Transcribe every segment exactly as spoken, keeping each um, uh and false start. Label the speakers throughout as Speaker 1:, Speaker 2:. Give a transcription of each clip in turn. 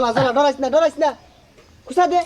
Speaker 1: জ্বালা জ্বালা ডরাইস না ডরাইস না খুশা দে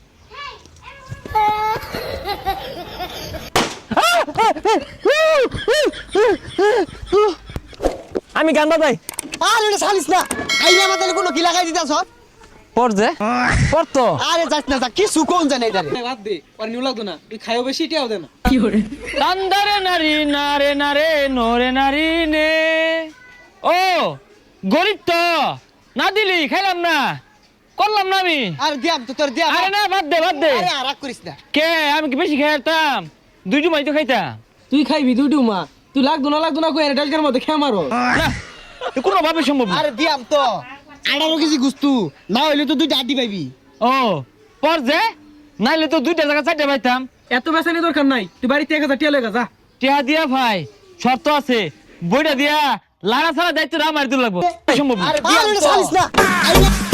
Speaker 2: আমি গান বাজাই
Speaker 1: আর এটা ছাড়িস না আইলে আমাদের কোনো কি লাগাই দিতাছ
Speaker 2: পর যে পর তো
Speaker 1: আরে যাস না যা কিছু কোন জানে এটা
Speaker 3: বাদ দে আর নিউ লাগতো না তুই খাইও বেশি এটাও দে না
Speaker 2: কান্দারে নারী নারে নারে নরে নারী নে ও গরিব তো না দিলি খাইলাম না করলাম না আমি
Speaker 1: আরে দিয়াম তো তোর দিয়াম
Speaker 2: আরে না বাদ দে বাদ দে
Speaker 1: আরে আর রাগ করিস না
Speaker 2: কে আমি কি বেশি খাইতাম দুই জুমাই তো খাইতাম
Speaker 3: তুই খাইবি দুই ডুমা তুই লাগতো না লাগতো না কই এটা ডালকার মধ্যে খেয়ে মারো
Speaker 2: না কোনো ভাবে সম্ভব না
Speaker 1: আরে দিয়াম তো আঠারো কেজি গুস্তু না হইলে তো দুইটা আড্ডি পাইবি
Speaker 2: ও পর যে নাইলে তো দুইটা জায়গা চারটা পাইতাম
Speaker 3: এত বেসানি দরকার নাই তুই বাড়িতে এক হাজার টিয়া লেগা যা
Speaker 2: টিয়া দিয়া ভাই শর্ত আছে বইটা দিয়া লাড়া ছাড়া দায়িত্ব আমার দিতে লাগবো সম্ভব না
Speaker 1: আরে দিয়াম তো ছাড়িস না আইলে